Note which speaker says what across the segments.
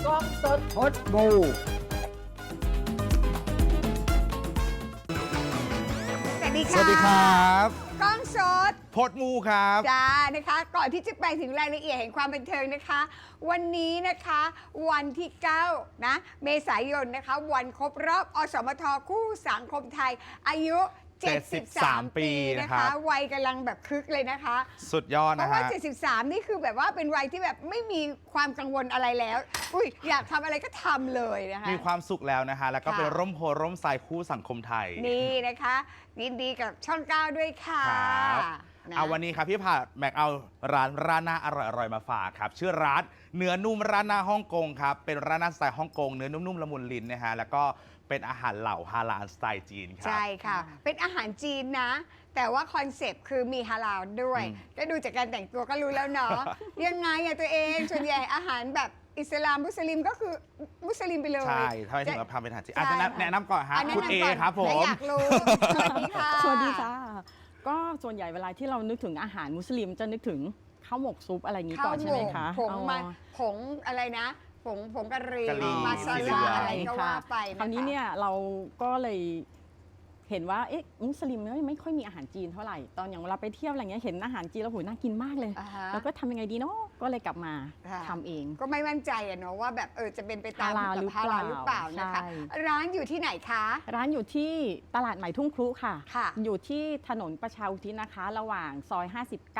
Speaker 1: กล้องสดพดบู
Speaker 2: สวัสดีครับ
Speaker 3: กล้องสด
Speaker 2: พดมูครับ
Speaker 3: จ้านะคะก่อนที่จะไปถึงรายละเอียดแห่งความบันเทิงนะคะ วันนี้นะคะวันที่9นะเมษายนนะคะวันครบรอบอสมทคู่สังคมไทยอายุ73 ปีนะคะวัยกำลังแบบคึกเลยนะคะ
Speaker 2: สุดยอด
Speaker 3: เพ
Speaker 2: นะ
Speaker 3: ราะว่า
Speaker 2: ฮะ
Speaker 3: 73 นี่คือแบบว่าเป็นวัยที่แบบไม่มีความกังวลอะไรแล้วอุ้ยอยากทำอะไรก็ทำเลยนะคะ
Speaker 2: มีความสุขแล้วนะคะ แล้วก็
Speaker 3: ค่ะ
Speaker 2: เป็นร่มโพร่มไทรคู่สังคมไทย
Speaker 3: นี่นะคะยินดีกับช่อง 9 ด้วยค่ะ
Speaker 2: ครับ
Speaker 3: นะ
Speaker 2: เอาวันนี้ครับพี่ผ่าแม็กเอาร้านราดหน้าอร่อยๆมาฝากครับ ชื่อร้านเนื้อนุ่มราดหน้าฮ่องกงครับ เป็นราดหน้าสไตล์ฮ่องกงเนื้อนุ่มๆละมุนลิ้นนะฮะ แล้วก็เป็นอาหารเหล่าฮาลาลสไตล์จีนครับ
Speaker 3: ใช่ค่ะ เป็นอาหารจีนนะ แต่ว่าคอนเซปต์คือมีฮาลาลด้วย ก็ดูจากการแต่งตัวก็รู้แล้วเนาะ ยังไงอะตัวเอง ส่วนใหญ่อาหารแบบอิสลามมุสลิมก็คือมุสลิมไปเลย
Speaker 2: ใช่ทำไมถึงเราทำเป็นอาหารจีนอาจ
Speaker 3: ใช่
Speaker 2: จะแนะนำก่อนฮะ
Speaker 3: แนะ
Speaker 2: คุณ
Speaker 3: นำ
Speaker 2: เอ
Speaker 3: ก่น
Speaker 2: ครับผม
Speaker 3: และอยากรู้ สวัสดีค่ะ
Speaker 4: สวัสดีค่ะ ก็ส่วนใหญ่เวลาที่เรานึกถึงอาหารมุสลิมจะนึกถึงข้าวหมกซุปอะไรอย่างนี้ก่อนใช่ไหมคะ
Speaker 3: ผงมา
Speaker 4: อ๋อ
Speaker 3: ผงอะไรนะ ผงกะหรี่
Speaker 2: กะหรี่
Speaker 3: มาซา
Speaker 2: สี
Speaker 3: ลา
Speaker 2: เหลือง
Speaker 3: อะไรก็ว่าไปนะคะ
Speaker 4: คราวนี้เนี่ยเราก็เลยเห็นว่าเอ๊ะมุสลิมเนี่ยไม่ค่อยมีอาหารจีนเท่าไหร่ ตอนอย่างเวลาไปเที่ยวอะไรเงี้ยเห็นอาหารจีนแล้วโหน่ากินมากเลย
Speaker 3: อ่าฮะ
Speaker 4: แล้วก็ทำยังไงดีเนาะก็เลยกลับมา
Speaker 3: ค่ะ
Speaker 4: ทำเอง
Speaker 3: ก็ไม่มั่นใจอะเนาะว่าแบบจะเป็นไปตาม
Speaker 4: ฮาลาลหรือ
Speaker 3: ฮาลาลหรือเปล่า
Speaker 4: เปล่า
Speaker 3: นะคะ
Speaker 4: ใช่
Speaker 3: ร้านอยู่ที่ไหนคะ
Speaker 4: ร้านอยู่ที่ตลาดใหม่ทุ่งครุค่ะ
Speaker 3: ค่ะ
Speaker 4: อยู่ที่ถนนประชาอุทิศนะคะ ระหว่างซอย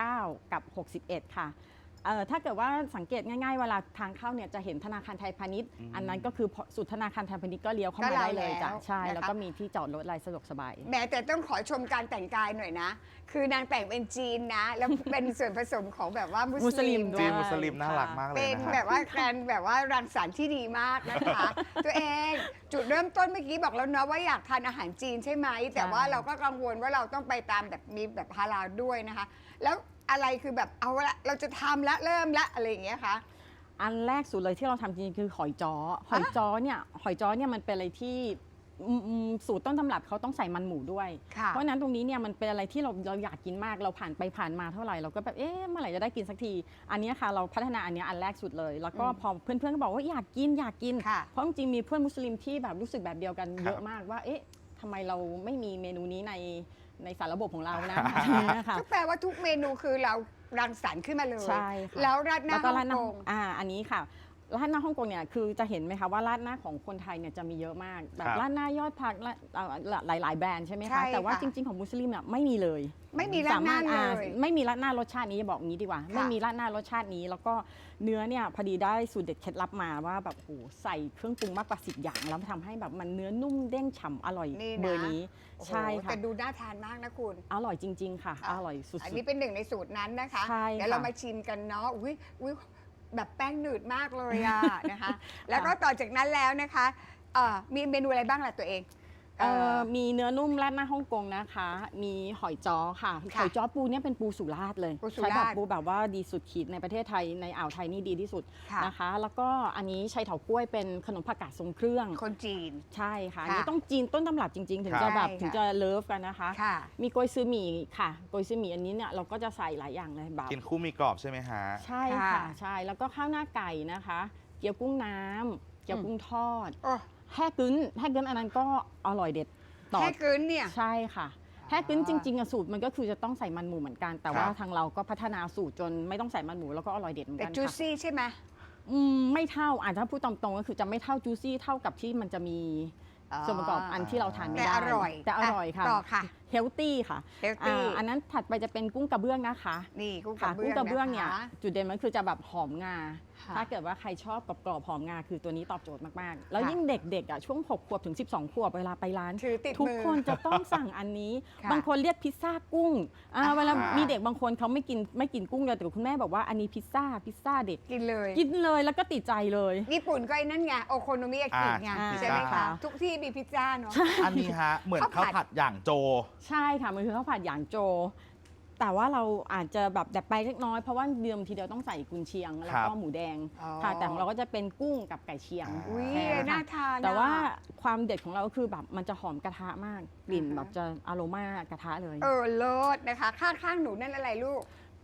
Speaker 4: 59 กับ 61 ค่ะถ้าเกิดว่าสังเกตง่ายๆเวลาทางเข้าเนี่ยจะเห็นธนาคารไทยพาณิชย์ อันนั้นก็คือสุดธนาคารไทยพาณิชย์ก็เลี้ยวเข้ามาได้เลยจ้ะใช่ แล้วก็มีที่จอดรถอะไรสะดวกสบาย
Speaker 3: แม้แต่ต้องขอชมการแต่งกายหน่อยนะ คือนางแต่งเป็นจีนนะ แล้วเป็นส่วนผสมของแบบว่ามุ
Speaker 4: มุ
Speaker 3: ส
Speaker 4: สลิ
Speaker 3: ลิม
Speaker 4: มด้
Speaker 2: จี
Speaker 4: วย
Speaker 2: นมุสลิมน่ารักมากเลย
Speaker 3: เป็น
Speaker 2: นะฮะ
Speaker 3: แบบว่าการแบบว่ารังสรรค์ที่ดีมากนะคะ ตัวเองจุดเริ่มต้นเมื่อกี้บอกแล้วเนาะว่าอยากทานอาหารจีนใช่ไหม แต่ว่าเราก็กังวลว่าเราต้องไปตามแบบมีแบบฮาลาลด้วยนะคะ แล้วอะไรคือแบบเอาละเราจะทำละเริ่มละอะไรอย่างเงี้ยคะ
Speaker 4: อันแรกสุดเลยที่เราทำจริงๆคือหอยจ้อหอยจ้อเนี่ยมันเป็นอะไรที่สูตรต้นตำรับเขาต้องใส่มันหมูด้วย
Speaker 3: ค่ะ
Speaker 4: เพราะฉะนั้นตรงนี้เนี่ยมันเป็นอะไรที่เราอยากกินมากเราผ่านไปผ่านมาเท่าไหร่เราก็แบบเอ๊ะเมื่อไหร่จะได้กินสักที อันเนี้ยค่ะเราพัฒนาอันเนี้ยอันแรกสุดเลย แล้วก็พอเพื่อนๆก็บอกว่าอยากกิน
Speaker 3: ค่ะ
Speaker 4: เพราะจริงๆมีเพื่อนมุสลิมที่แบบรู้สึกแบบเดียวกัน
Speaker 2: ครับ
Speaker 4: เยอะมากว่าเอ๊ะทำไมเราไม่มีเมนูนี้ในสารระบบของเรานะนะคะ
Speaker 3: ก็แปลว่าทุกเมนูคือเรารังสรรค์ขึ้นมาเลย
Speaker 4: ใช่ค่ะ
Speaker 3: แล้วราดหน้า
Speaker 4: แล้วก็
Speaker 3: ฮ่
Speaker 4: รา
Speaker 3: อ
Speaker 4: ด
Speaker 3: ง
Speaker 4: หน้าก
Speaker 3: ง
Speaker 4: อันนี้ค่ะราดหน้าฮ่องกงเนี่ยคือจะเห็นไหมคะว่าราดหน้าของคนไทยเนี่ยจะมีเยอะมากแบ
Speaker 2: ครับ บ
Speaker 4: ราดหน้ายอดผักหลายๆแบรนด์ใช่ไหม
Speaker 3: ใช่
Speaker 4: คะแต่ว่า
Speaker 3: ค่ะ
Speaker 4: จริงๆของมุสลิมเนี่ยไม่มีเลย
Speaker 3: ไม่มีราดหน้า
Speaker 4: สมรถ
Speaker 3: เลย
Speaker 4: ไม่มีราดหน้ารสชาตินี้บอกงี้ดีกว่า
Speaker 3: ค่ะ
Speaker 4: ไม่มีราดหน้ารสชาตินี้ แล้วก็เนื้อเนี่ยพอดีได้สูตรเด็ดเคล็ดลับมาว่าแบบโหใส่เครื่องปรุงมากกว่า10 อย่างแล้วทำให้แบบมันเนื้อนุ่มเด้งฉ่ำอร่อย
Speaker 3: นี่นะ
Speaker 4: เบอร์นี้
Speaker 3: โอ้โห
Speaker 4: ใช่ค่ะ
Speaker 3: แต่ดูน่าทานมากนะคุณ
Speaker 4: อร่อยจริง ๆ ค่ะ อร่อยสุด
Speaker 3: อันนี้เป็นหนึ่งในสูตรนั้นนะคะ
Speaker 4: ใช่
Speaker 3: เดี๋ยวเรา
Speaker 4: ค่ะ
Speaker 3: มาชิมกันเนาะอุ้ยแบบแป้งหนืดมากเลยอะ นะคะ แล้วก็ต่อจากนั้นแล้วนะคะมีเมนูอะไรบ้างล่ะตัวเอง
Speaker 4: มีเนื้อนุ่มราดหน้าฮ่องกงนะคะ มีหอยจ้อค่ะ
Speaker 3: ค่ะ
Speaker 4: หอยจ้อปูเนี่ยเป็นปูสุราษฎร์เลย
Speaker 3: ปูสุ
Speaker 4: ใช้
Speaker 3: รา
Speaker 4: แบ
Speaker 3: ษฎร์
Speaker 4: บปูแบบว่าดีสุดขีดในประเทศไทยในอ่าวไทยนี่ดีที่สุด
Speaker 3: ค่ะ
Speaker 4: นะคะ แล้วก็อันนี้ชัยเถากล้วยเป็นขนมผักกาดทรงเครื่อง
Speaker 3: คนจีน
Speaker 4: ใช่ค่ะ
Speaker 3: ค่ะ
Speaker 4: อันนี้ต้องจีนต้นตำรับจริง ๆ ถึง
Speaker 2: ครับ
Speaker 4: จะแบบ
Speaker 3: ใช่ค่ะ
Speaker 4: ถึงจะเลิฟกันนะคะ
Speaker 3: ค่ะ
Speaker 4: มีโกยซือหมี่ค่ะโกยซือหมี่อันนี้เนี่ยเราก็จะใส่หลายอย่างเลยแบบ
Speaker 2: กินคู่มีกรอบใช่ไหมฮะ
Speaker 4: ใช่
Speaker 3: ค่ะ
Speaker 4: ค่ะใช่แล้วก็ข้าวหน้าไก่นะคะ เกี๊ยวกุ้งน้ำเกี๊ยวกุ้งทอด
Speaker 3: โอ้
Speaker 4: แฮ่กึ้นอันนั้นก็อร่อยเด็ดต่อ
Speaker 3: แค่กึนเนี่ย
Speaker 4: ใช่ค่ะแฮ่กึ้นจริงๆอะสูตรมันก็คือจะต้องใส่มันหมูเหมือนกัน แต่ว่า
Speaker 2: ครับ
Speaker 4: ทางเราก็พัฒนาสูตรจนไม่ต้องใส่มันหมูแล้วก็อร่อยเด็ดเหมือน
Speaker 3: แต่
Speaker 4: กัน
Speaker 3: จู
Speaker 4: ค่ะ
Speaker 3: ซี่ใช่ไหม
Speaker 4: ไม่เท่าถ้าพูดตรงๆก็คือจะไม่เท่าจูซี่เท่ากับที่มันจะมีส่วนประกอบอันที่เราทานไม่
Speaker 3: แต่
Speaker 4: ได้
Speaker 3: อร่อย
Speaker 4: แต่อร่อยค่ะ
Speaker 3: ต่อค่ะ
Speaker 4: เฮลตี้ค่ะ
Speaker 3: healthy
Speaker 4: อันนั้นถัดไปจะเป็นกุ้งกระเบื้องนะคะ
Speaker 3: นี่กุ้งก
Speaker 4: ค่ะ
Speaker 3: ระเบื้
Speaker 4: กุ้
Speaker 3: อง ง
Speaker 4: กระเบื้องเนี่ย
Speaker 3: นะคะ
Speaker 4: จุดเด่นมันคือจะแบบหอมงา
Speaker 3: ค่ะ
Speaker 4: ถ้าเกิดว่าใครชอบกรอบๆหอมงาคือตัวนี้ตอบโจทย์มากๆ แล้ว
Speaker 3: ค่ะ
Speaker 4: ยิ่งเด็กๆอ่ะช่วง6 ขวบถึง 12 ขวบเวลาไปร้าน
Speaker 3: ถือติด
Speaker 4: ทุก
Speaker 3: มือ
Speaker 4: คนจะต้องสั่งอันนี้
Speaker 3: ค่ะ
Speaker 4: บางคนเรียกพิซซ่ากุ้งเวลา
Speaker 2: ค่ะ
Speaker 4: มีเด็กบางคนเขาไม่กินกุ้งเลยแต่คุณแม่บอกว่าอันนี้พิซซ่าเด็ก
Speaker 3: กินเลย
Speaker 4: กินเลยแล้วก็ติดใจเลย
Speaker 3: ญี่ปุ่นก็ไอ้นั่นไงโอโคโนมิยากิไง
Speaker 4: อ่า
Speaker 3: ใช่ไหม
Speaker 2: พิซ
Speaker 3: คะ
Speaker 2: ซ่า
Speaker 3: ทุกที่มีพิซซ่าเนาะ
Speaker 2: อันนี้ฮะ เหมือน
Speaker 3: ข้าวผัด
Speaker 2: ข้าวผัดอย่างโจ
Speaker 4: ใช่ค่ะมันคือข้าวผัดหยางโจ แต่ว่าเราอาจจะแบบดัดแปลงเล็กน้อยเพราะว่าเดิมทีเดียวต้องใส่กุนเชียงแล้วก็หมูแดง
Speaker 3: อ๋อ
Speaker 4: ค่ะแต่ของเราก็จะเป็นกุ้งกับไก่เชียง
Speaker 3: อุ้ย
Speaker 4: แค่
Speaker 3: น่า
Speaker 4: ค่ะ
Speaker 3: ทาน
Speaker 4: แต่ว่า
Speaker 3: อะ
Speaker 4: ความเด็ดของเราก็คือแบบมันจะหอมกระทะมากกลิ่น
Speaker 3: อ่าฮะ
Speaker 4: แบบจะอโรมากระทะเลย
Speaker 3: เลิศนะคะข้างๆหนูนั่นอะไรลูก
Speaker 4: เนื้อ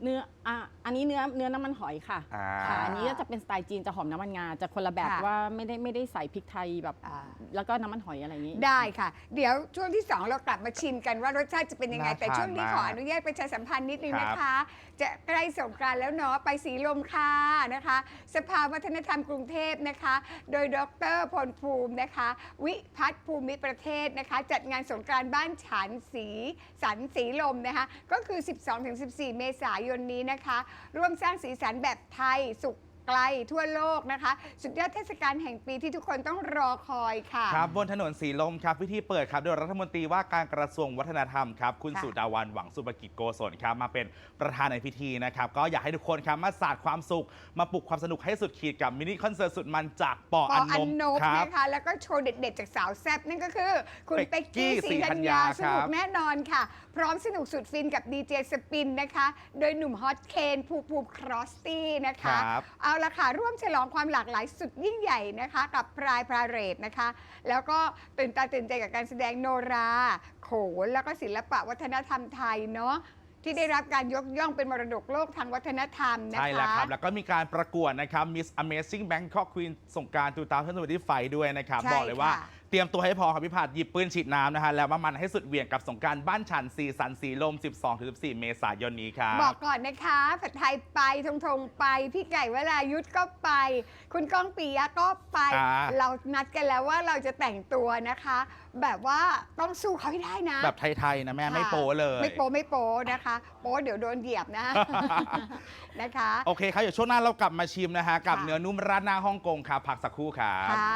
Speaker 4: อันนี้เนื้อน้ำมันหอยค่ะ
Speaker 2: อ่า
Speaker 4: ค่ะอันนี้จะเป็นสไตล์จีนจะหอมน้ำมันงาจะคนละแบบ
Speaker 3: ค่ะ
Speaker 4: ว่าไม่ได้ใส่พริกไทยแบบ
Speaker 3: อ่า
Speaker 4: แล้วก็น้ำมันหอยอะไรอย่างนี้
Speaker 3: ได้ค่ะ เดี๋ยวช่วงที่ 2 เรากลับมาชิมกันว่ารสชาติจะเป็นยังไง
Speaker 2: น่า
Speaker 3: แต่ช่วงนี้
Speaker 2: ทาน
Speaker 3: ข
Speaker 2: มาก
Speaker 3: ออนุญาตประชาสัมพันธ์นิดนึง
Speaker 2: ครับ
Speaker 3: นะคะ จะใกล้สงกรานต์แล้วเนาะไปสีลมค่ะนะคะ สภาวัฒนธรรมกรุงเทพนะคะ โดยดรพลภูมินะคะ วิพัฒน์ภูมิประเทศนะคะ จัดงานสงกรานต์บ้านฉันสีสันสีลมนะคะ ก็คือ 12-14 เมษายนนี้นะคะ ร่วมสร้างสีสันแบบไทยสุขไกลทั่วโลกนะคะ สุดยอดเทศกาลแห่งปีที่ทุกคนต้องรอคอยค่ะ
Speaker 2: ครับบนถนนสีลมครับพิธีเปิดครับโดยรัฐมนตรีว่าการกระทรวงวัฒนธรรมครับคุณ
Speaker 3: ค่ะ
Speaker 2: สุดาวันหวังสุภกิจโกศลครับมาเป็นประธานในพิธีนะครับก็อยากให้ทุกคนครับมาสาดความสุขมาปลุกความสนุกให้สุดขีดกับมินิคอนเสิร์ตสุดมันจากปอ
Speaker 3: ป
Speaker 2: อั
Speaker 3: อน อัน
Speaker 2: น
Speaker 3: น
Speaker 2: บบ ครับ
Speaker 3: นะคะแล้วก็โชว์เด็ดๆ จากสาวแซ่บนั่นก็คือ คุณ
Speaker 2: เป็
Speaker 3: เป็
Speaker 2: ก
Speaker 3: ก
Speaker 2: กี้
Speaker 3: กี้
Speaker 2: ศ
Speaker 3: ศ
Speaker 2: รี
Speaker 3: รี
Speaker 2: ธั
Speaker 3: ธั
Speaker 2: ญ
Speaker 3: ญ
Speaker 2: ญา
Speaker 3: ญาสนุ
Speaker 2: ค
Speaker 3: ก
Speaker 2: รับ
Speaker 3: แน่นอนค่ะ พร้อมสนุกสุดฟินกับดีเจสปินนะคะ โดยหนุ่มฮอตเคนภูมิครอสตี้นะคะ
Speaker 2: ครับ
Speaker 3: เอาละค่ะ ร่วมฉลองความหลากหลายสุดยิ่งใหญ่นะคะ กับพรายพาเรดนะคะ แล้วก็ตื่นตาตื่นใจกับการแสดงโนรา โขน แล้วก็ศิลปะวัฒนธรรมไทยเนาะที่ได้รับการยกย่องเป็นมรดกโลกทางวัฒนธรรมนะคะ
Speaker 2: ใช่แล้วครับ แล้วก็มีการประกวดนะครับ Miss Amazing Bangkok Queen สงกรานต์2025ด้วยนะครับ
Speaker 3: ใช่
Speaker 2: บอกเลยว่า
Speaker 3: ค่ะ
Speaker 2: เตรียมตัวให้พอครับพี่ผัดหยิบปืนฉีดน้ำนะฮะแล้วมามันให้สุดเหวี่ยงกับสงกรานต์บ้านฉันสีสันสีลม 12-14 เมษายนนี้ครับ
Speaker 3: บอกก่อนนะคะผัดไทยไปทงไป พี่ไก่วรายุทธก็ไป คุณก้องปิยะก็ไป
Speaker 2: อ่า
Speaker 3: เรานัดกันแล้วว่าเราจะแต่งตัวนะคะ แบบว่าต้องสู้เขาให้ได้นะ
Speaker 2: แบบไทยๆนะแม่ไม่
Speaker 3: ค่ะ
Speaker 2: โป้เลย
Speaker 3: ไม่โป้นะคะ โป้เดี๋ยวโดนเหยียบนะ นะคะ
Speaker 2: โอเคครับเดี๋ยวช่วงหน้าเรากลับมาชิมนะฮะกับ
Speaker 3: ค่ะ
Speaker 2: เนื้อนุ่มราดหน้าฮ่องกงครับพักสักครู่ครับ
Speaker 3: ค่ะ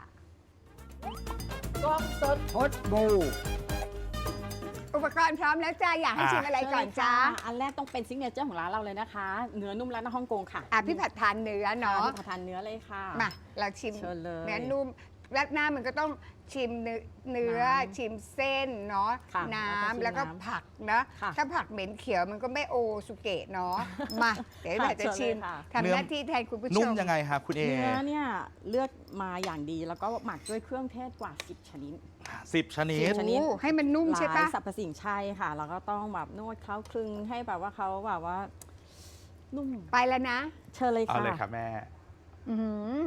Speaker 1: กล้องสดพดบู
Speaker 3: อุปกรณ์พร้อมแล้วจ้าอยากให้ชิมอะไรก่อนจ้า
Speaker 4: อันแรกต้องเป็นซิกเนเจอร์ของร้านเราเลยนะคะ เนื้อนุ่มร้านอาหารฮ่องกงค่ะ
Speaker 3: พี่ผัดทานเนื้อเนาะ
Speaker 4: ทานเนื้อเลยค่ะ
Speaker 3: มาเราชิม
Speaker 4: เชิญเลย
Speaker 3: เนื้อนุ่มรัดหน้ามันก็ต้องชิมเนื้อ
Speaker 4: น้ำ
Speaker 3: ชิมเส้นเนาะ
Speaker 4: ค่ะ
Speaker 3: น้ำ
Speaker 4: แล้
Speaker 3: แล้ว
Speaker 4: วก็
Speaker 3: ก็
Speaker 4: ชิมน้ำ
Speaker 3: ผักนะ
Speaker 4: ค่ะ
Speaker 3: ถ้าผักเหม็นเขียวมันก็ไม่โอสุเกะเนาะ มาเดี๋ยวเราจะชิม
Speaker 4: เชิญเลยค่ะ
Speaker 3: ทำหน้าที่แทนคุณผู้ชม
Speaker 2: นุ่มยังไงครับคุณเอ
Speaker 4: เนื้อเนี่ยเลือกมาอย่างดีแล้วก็หมักด้วยเครื่องเทศกว่า 10 ชนิด
Speaker 2: 10 ชนิด
Speaker 4: ชนิด
Speaker 3: โอ้ให้มันนุ่มใช่
Speaker 4: ห
Speaker 3: ปะ
Speaker 4: ลายสรรพสิ่งใช่ค่ะ แล้วก็ต้องแบบนวดเคล้าคลึงให้แบบว่าเขาแบบว่า นุ่ม
Speaker 3: ไปแล้วนะ
Speaker 4: เชิญเลย
Speaker 2: เอา
Speaker 4: ค่ะ
Speaker 2: เลยครับแม่
Speaker 3: อืม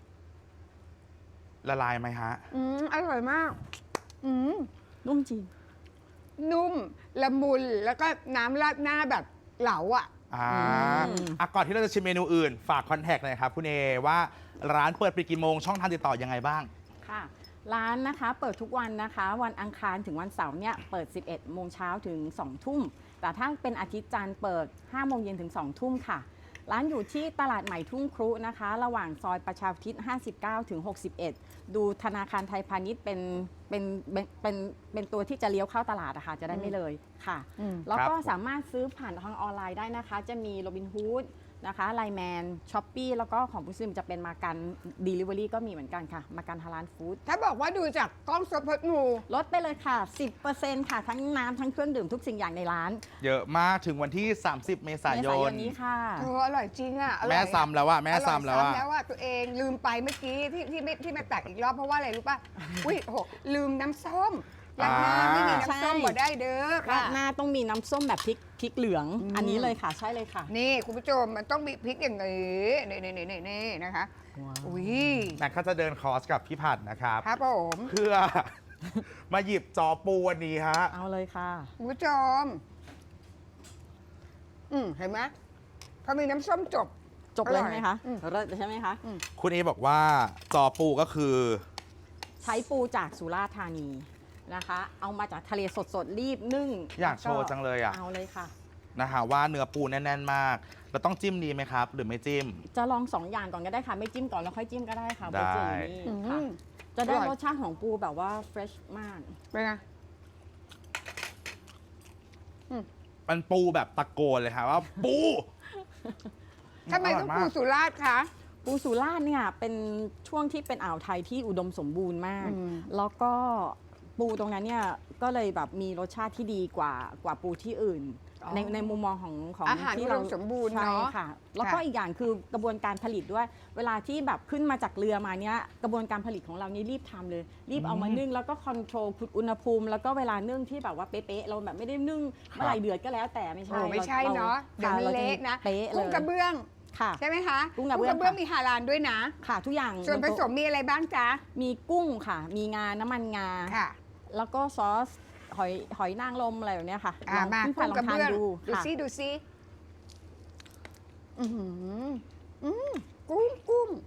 Speaker 2: ละลายไหมฮะ
Speaker 3: อร่อยมาก อืม
Speaker 4: นุ่มจริง
Speaker 3: นุ่มละมุนแล้วก็น้ำราดหน้าแบบเหลาอ่ะ
Speaker 2: อ่า
Speaker 4: อืม
Speaker 2: ก่อนที่เราจะชิมเมนูอื่น ฝากคอนแทคหน่อยครับคุณเอว่าร้านเปิดปิดกี่โมงช่องทางติดต่อยังไงบ้าง
Speaker 4: ค่ะ ร้านนะคะเปิดทุกวันนะคะ วันอังคารถึงวันเสาร์เนี่ยเปิด 11 โมงเช้าถึง 2 ทุ่ม แต่ถ้าเป็นอาทิตย์จันทร์เปิด 5 โมงเย็นถึง 2 ทุ่มค่ะ ร้านอยู่ที่ตลาดใหม่ทุ่งครุนะคะ ระหว่างซอยประชาอุทิศ 59 ถึง 61 ดูธนาคารไทยพาณิชย์เป็นตัวที่จะเลี้ยวเข้าตลาดนะคะจะได้ไม่เลยค่ะ
Speaker 3: อืม
Speaker 4: แล้วก็
Speaker 2: ครับ
Speaker 4: สามารถซื้อผ่านทางออนไลน์ได้นะคะ จะมีโรบินฮูดนะคะไลแมนช้อปปี้แล้วก็ของมุสลิมจะเป็นมากัน Delivery ก็มีเหมือนกันค่ะ มากันฮาลาลฟู้ด
Speaker 3: ถ้าบอกว่าดูจากกล้องสดพดงู
Speaker 4: ลดไปเลยค่ะ 10%ค่ะ ทั้งน้ำทั้งเครื่องดื่มทุกสิ่งอย่างในร้าน
Speaker 2: เยอะมากถึงวันที่ 30 เมษายน
Speaker 4: นี้ค่ะ
Speaker 3: โอ้อร่อยจริงอ่ะอร่อย
Speaker 2: แม่
Speaker 3: อะ
Speaker 2: ซ้ำแล้วว่าแม่ซ้ำแล้วว่า
Speaker 3: อร่อยแล้วอ่ะตัวเองลืมไปเมื่อกี้ที่มาตักอีกรอบเพราะว่าอะไรรู้ป่ะ อุ้ยโหลืมน้ำส้มร้านหน้าไม่มีน้ำส้ม
Speaker 4: ใช่
Speaker 3: บ่ได้เด้อ
Speaker 4: รา
Speaker 3: ค่ะ
Speaker 4: ดหน้าต้องมีน้ำส้มแบบพริกเหลือง
Speaker 3: อืม
Speaker 4: อันนี้เลยค่ะ ใช่เลยค่ะ
Speaker 3: นี่คุณผู้ชมมันต้องมีพริกอย่างนี้นี่นะคะอุ้ย
Speaker 2: แม็กก็จะเดินคอร์สกับพี่ผัดนะครับ
Speaker 3: ครับผม
Speaker 2: เพื่อ มาหยิบจอปูวันนี้ฮะ
Speaker 4: เอาเลยค่ะ
Speaker 3: คุณผู้ชมเห็นไหมพอมีน้ำส้มจบ
Speaker 4: จบเลยใช่ไหมคะ
Speaker 3: อืม
Speaker 4: เลิศใช่ไหมคะ
Speaker 2: คุณเอบอกว่าจอปูก็คือ
Speaker 4: ใช้ปูจากสุราษฎร์ธานีนะคะ เอามาจากทะเลสดๆรีบนึ่ง
Speaker 2: อยากโชว์จังเลยอ่ะ
Speaker 4: เอาเลยค่ะ
Speaker 2: นะฮะว่าเนื้อปูแน่น ๆ มาก เราต้องจิ้มดีไหมครับ หรือไม่จิ้ม
Speaker 4: จะลอง2 อย่างก่อนก็ได้ค่ะ ไม่จิ้มก่อนแล้วค่อยจิ้มก็ได้ค่ะ
Speaker 2: ได้
Speaker 4: เบอร์จืดนี่
Speaker 3: อื
Speaker 4: ค่ะ
Speaker 3: ม
Speaker 4: จะได้
Speaker 3: อร่อย
Speaker 4: รสชาติของปูแบบว่าเฟรชมาก
Speaker 3: เป็นไง
Speaker 2: มันปูแบบตะโกนเลยค่ะว่าปู
Speaker 3: ทำไมต้องปู
Speaker 2: ร่ยาก
Speaker 3: สุราษฎร์คะ
Speaker 4: ปูสุราษฎร์เนี่ยเป็นช่วงที่เป็นอ่าวไทยที่อุดมสมบูรณ์มาก
Speaker 3: อืม
Speaker 4: แล้วก็ปูตรงนั้นเนี่ยก็เลยแบบมีรสชาติที่ดีกว่าปูที่อื่น
Speaker 3: อ๋อ
Speaker 4: ในมุมมองของ
Speaker 3: อาหาร
Speaker 4: ที่
Speaker 3: อุดมสมบูรณ์
Speaker 4: ใช่
Speaker 3: เนาะ
Speaker 4: ค่ะ แล้วก็
Speaker 3: ค่ะ
Speaker 4: อีกอย่างคือกระบวนการผลิตด้วย เวลาที่แบบขึ้นมาจากเรือมาเนี้ยกระบวนการผลิตของเรานี่รีบทำเลย รีบเอามานึ่งแล้วก็คอนโทรลอุณหภูมิ แล้วก็เวลานึ่งที่แบบว่าเป๊ะๆเราแบบไม่ได้นึ่งเมื่อไหร่เดือดก็แล้วแต่ไม่ใช่
Speaker 3: โอ้ไม่ใช่เนาะเดี๋ยวมัน
Speaker 4: ค่
Speaker 3: เละนะ
Speaker 4: เป๊ะเล
Speaker 3: กุ้ง
Speaker 4: ย
Speaker 3: กระเบื้อง
Speaker 4: ค่ะ
Speaker 3: ใช่ไหมคะ
Speaker 4: กุ้งกระเบื้อง
Speaker 3: มีฮาลาลด้วยนะ
Speaker 4: ค่ะทุกอย่าง
Speaker 3: ส่วนผสมมีอะไรบ้างจ๊ะ
Speaker 4: มีกุ้งค่ะ มีงาน้ำมันงา
Speaker 3: ค่ะ
Speaker 4: แล้วก็ซอสหอยนางรมอะไรแบบเนี้ยค่ะ
Speaker 3: มา
Speaker 4: พี่
Speaker 3: กุ้ง
Speaker 4: ล
Speaker 3: กระ
Speaker 4: ทาน
Speaker 3: เบื้อง
Speaker 4: ดู
Speaker 3: ดู
Speaker 4: ค่ะ
Speaker 3: ซิดูซิอือหือกุ้ง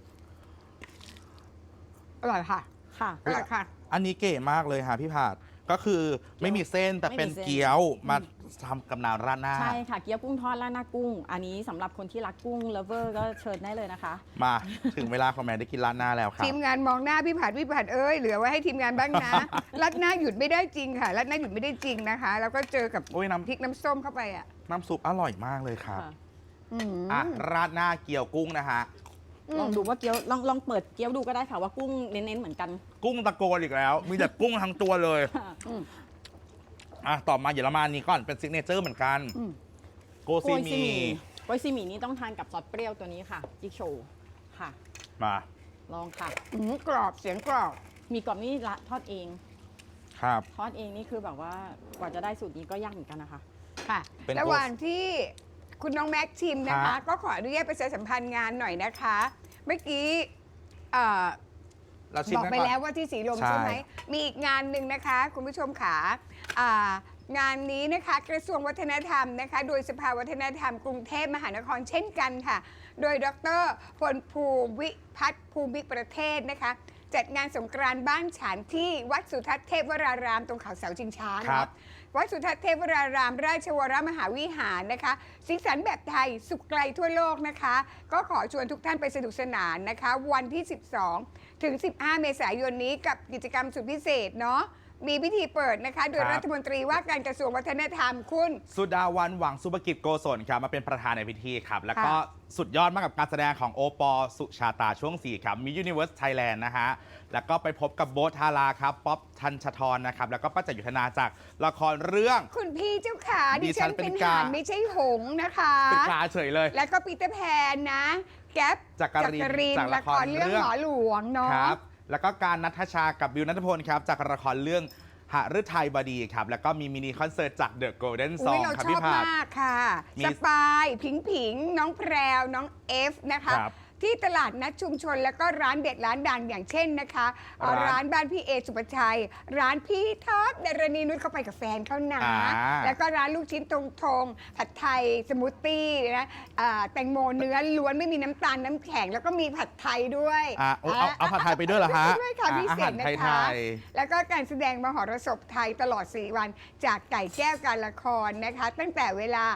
Speaker 3: อร่อยค่ะ
Speaker 4: ค่ะ
Speaker 3: อร่อยค่ะ
Speaker 2: อันนี้เก๋มากเลยค่ะพี่ผาดก็คือไม่มีเส้นแต่เป็น
Speaker 4: ไม่มีเส้น
Speaker 2: เกี๊ยวมาทำกับน้ำราดหน้า
Speaker 4: ใช่ค่ะ เกี๊ยวกุ้งทอดราดหน้ากุ้ง อันนี้สำหรับคนที่รักกุ้งเลฟเวอร์ก็เชิญได้เลยนะคะ
Speaker 2: มาถึงเวลาของแม่ได้กินราดหน้าแล้วครับ
Speaker 3: ทีมงานมองหน้าพี่ผัดเอ้ยเหลือไว้ให้ทีมงานบ้างนะ รัดหน้าหยุดไม่ได้จริงค่ะ รัดหน้าหยุดไม่ได้จริงนะคะ แล้วก็เจอกับ
Speaker 2: โอ้ยน้
Speaker 3: พริกน้ำส้มเข้าไปอ่ะ
Speaker 2: น้ำซุปอร่อยมากเลยครับ
Speaker 4: ค่ะ
Speaker 3: อืม
Speaker 2: อ่ะราดหน้าเกี๊ยวกุ้งนะฮะ
Speaker 4: ลองดูว่าเกี๊ยวลองเปิดเกี๊ยวดูก็ได้ค่ะว่ากุ้งเน้นๆเหมือนกัน
Speaker 2: กุ้งตะโกนอีกแล้ว มีแต่กุ้งทั้งตัวเลย
Speaker 3: อืม
Speaker 2: อ่ะต่อมาเยอรมันนี้ก่อนเป็นซิกเนเจอร์เหมือนกัน
Speaker 3: อืม
Speaker 2: โกซีมี
Speaker 4: โกยซีหมี่นี่ต้องทานกับซอสเปรี้ยวตัวนี้ค่ะจิกโชว์ค่ะ
Speaker 2: มา
Speaker 4: ลองค่ะ
Speaker 3: กรอบเสียงกรอบ
Speaker 4: มีกรอบนี่ละทอดเอง
Speaker 2: ครับ
Speaker 4: ทอดเองนี่คือแบบว่ากว่าจะได้สูตรนี้ก็ยากเหมือนกันนะคะ
Speaker 3: ค่ะ
Speaker 2: เป็น
Speaker 3: ระหว่างที่คุณน้องแม็กซ์ชิมนะ
Speaker 2: ครั
Speaker 3: คะ
Speaker 2: บ
Speaker 3: ก็ขออนุญาตประชาสัมพันธ์งานหน่อยนะคะ เมื่อกี้เอ่อ
Speaker 2: เราชิม
Speaker 3: บอก
Speaker 2: กัน
Speaker 3: ไป
Speaker 2: ก่อน
Speaker 3: แล้วว่าที่สีลม
Speaker 2: ใช่
Speaker 3: ใช่ไหม มีอีกงานหนึ่งนะคะ คุณผู้ชมขางานนี้นะคะกระทรวงวัฒนธรรมนะคะ โดยสภาวัฒนธรรมกรุงเทพมหานครเช่นกันค่ะ โดยดรพลภูวิพัฒน์ภูมิประเทศนะคะ จัดงานสงกรานต์บ้านฉานที่วัดสุทัศน์เทพวรารามตรงเขาเสาชิงช้า
Speaker 2: ครั
Speaker 3: เนาะ
Speaker 2: บ
Speaker 3: วัดสุทัศน์เทพวรารามราชวรมหาวิหารนะคะสีสันแบบไทยสุขไกลทั่วโลกนะคะ ก็ขอชวนทุกท่านไปสนุกสนานนะคะ วันที่ 12 ถึง 15 เมษายนนี้กับกิจกรรมสุดพิเศษเนาะมีพิธีเปิดนะคะ โดย
Speaker 2: ครับ
Speaker 3: รัฐมนตรีว่าการกระทรวงวัฒนธรรมคุณ
Speaker 2: สุดาวันหวังสุภกิจโกศลครับมาเป็นประธานในพิธีครับ แล้วก็สุดยอดมากกับการแสดงของโอปอสุชาตาช่วง 4 ครับ มี Universe Thailand นะฮะ แล้วก็ไปพบกับโบ๊ทธาราครับ ป๊อปทันชทรนะครับ แล้วก็ป้าจักรยุทธนาจากละครเรื่อง
Speaker 3: คุณพี่เจ้าขา
Speaker 2: ดิ
Speaker 3: ดิ
Speaker 2: ฉั
Speaker 3: ฉั
Speaker 2: น
Speaker 3: น
Speaker 2: เป็
Speaker 3: เป็น น
Speaker 2: กา
Speaker 3: หานไม่ใช่หงส์นะคะ
Speaker 2: เป็นปลาเฉยเลย
Speaker 3: แล้วก็ปีเตอร์แพนนะ แก๊ป
Speaker 2: จักรินจาก
Speaker 3: ละ
Speaker 2: ละ
Speaker 3: ค
Speaker 2: ค
Speaker 3: ร
Speaker 2: ร
Speaker 3: เรื่อง
Speaker 2: เรื่อง
Speaker 3: หมอหลวงเนาะ
Speaker 2: ครับ แล้วก็การนัทชากับบิวนัทพลครับ จากละครเรื่องหฤทัยบดีครับ แล้วก็มีมินิคอนเสิร์ตจาก The Golden
Speaker 3: อุ้ย
Speaker 2: Song
Speaker 3: เรา
Speaker 2: ครับ
Speaker 3: ชอ
Speaker 2: พี่
Speaker 3: บ
Speaker 2: ผาด
Speaker 3: มากค่ะ
Speaker 2: มี
Speaker 3: สปาย ผิง น้องแพรว น้องเอฟนะคะ
Speaker 2: ครับ
Speaker 3: ที่ตลาดนัดชุมชนแล้วก็ร้านเด็ดร้านดังอย่างเช่นนะคะ
Speaker 2: ร้าน
Speaker 3: ร้านบ้านพี่เอสุปชัย ร้านพี่ท็อปดารณีนุชเข้าไปกับแฟนเขานะ แล้วก็ร้านลูกชิ้นตรงทงผัดไทยสมูทตี้นะแตงโมเนื้อล้วนไม่มีน้ำตาลน้ำแข็ง แล้วก็มีผัดไทยด้วย
Speaker 2: เอาผัดไทยไปด้วยเหรอฮะ
Speaker 3: ด้วยค่ะพิเศษนะ
Speaker 2: อาหาร
Speaker 3: คะ
Speaker 2: ไทย
Speaker 3: แล้วก็การแสดงมหรสพไทยตลอด 4 วัน จากไก่แก้วการละครนะคะ ตั้งแต่เวลา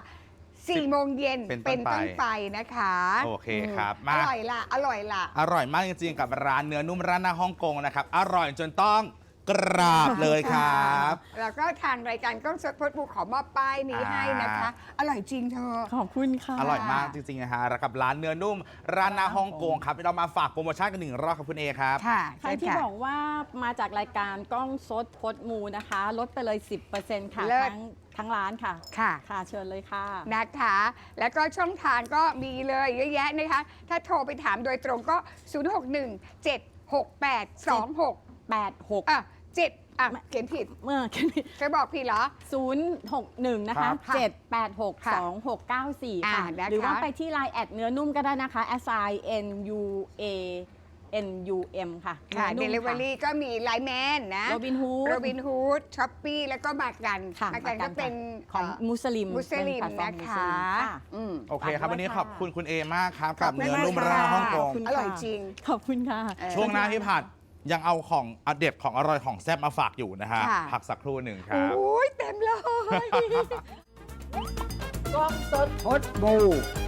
Speaker 3: 4 โมงเย็น
Speaker 2: เป็นต้นไป
Speaker 3: ต้นไปนะคะ
Speaker 2: โอเคครับ
Speaker 3: อ
Speaker 2: มา
Speaker 3: ร่อยล่ะ อร่อยล่ะ
Speaker 2: อร่อยมากจริงๆ กับร้านเนื้อนุ่มร้านหน้าฮ่องกงนะครับ อร่อยจนต้องกราบเลยครับ
Speaker 3: แล้วก็ทางรายการก้องสดพดบูขอมอบป้ายนี้ให้นะคะ อร่อยจริงเธอ
Speaker 4: ขอบคุณค่ะ
Speaker 2: อร่อยมากจริงๆนะฮะแล้วกับร้านเนื้อนุ่มร้านหน้าฮ่องกงครับเรามาฝากโปรโมชั่นกันหนึ่งรอบครับคุณเอครับ
Speaker 3: ค่ะ
Speaker 4: ใครที่บอกว่ามาจากรายการกล้องสดพดมูนะคะ ลดไปเลย 10%ค่ะ
Speaker 3: เลิศ
Speaker 4: ทั้งร้านค่ะ
Speaker 3: ค่ะ
Speaker 4: ค่ะเชิญเลยค่ะ
Speaker 3: นะคะ แล้วก็ช่องทางก็มีเลยเยอะแยะนะคะ ถ้าโทรไปถามโดยตรงก็ 061-768-26
Speaker 4: 86
Speaker 3: 7เขียนผิด
Speaker 4: เมื่อกี้
Speaker 3: เคยบอกผิดเหรอ
Speaker 4: 061 นะคะ
Speaker 3: ค่ะ
Speaker 4: 786 2694 ค่ะ
Speaker 3: นะคะ
Speaker 4: หรือว่าไปที่ Line แอดเนื้อนุ่มก็ได้นะคะ SINUANUM ค่ะ
Speaker 3: ค่ะ
Speaker 4: นื้อนุ่ม
Speaker 3: Delivery ก็มีไลน์แมนนะ
Speaker 4: โรบินฮูด
Speaker 3: โรบินฮูดช้อปปี้แล้วก็มากัน
Speaker 4: ค่ะ
Speaker 3: มากันก็เป็น
Speaker 4: ของมุสลิม
Speaker 3: มุสลิม
Speaker 4: เป็แพลตฟอร์
Speaker 3: นะ
Speaker 4: มุส
Speaker 3: คะ
Speaker 4: ลิม
Speaker 3: อืม
Speaker 2: โอเคครับ
Speaker 4: ฝากด้วย
Speaker 2: วันนี้
Speaker 4: ค่ะ
Speaker 2: ขอบคุณคุณเอมากครับ
Speaker 3: ข
Speaker 2: กั
Speaker 3: อ
Speaker 2: บบ
Speaker 3: คุณ
Speaker 2: เนื้อนุ่ม
Speaker 3: มาก
Speaker 2: ร้าน
Speaker 3: ค่ะ
Speaker 2: ฮ่องกง
Speaker 3: อร่อยจริง
Speaker 4: ขอบคุณค่ะ
Speaker 2: ช่วงหน้าพี่ผัดยังเอาของอเด็ดของอร่อยของแซ่บมาฝากอยู่นะฮะ
Speaker 3: ค่ะ
Speaker 2: พักสักครู่หนึ่งครับ
Speaker 3: โอ้ยเต็มเลย
Speaker 1: กล้องสดพดบู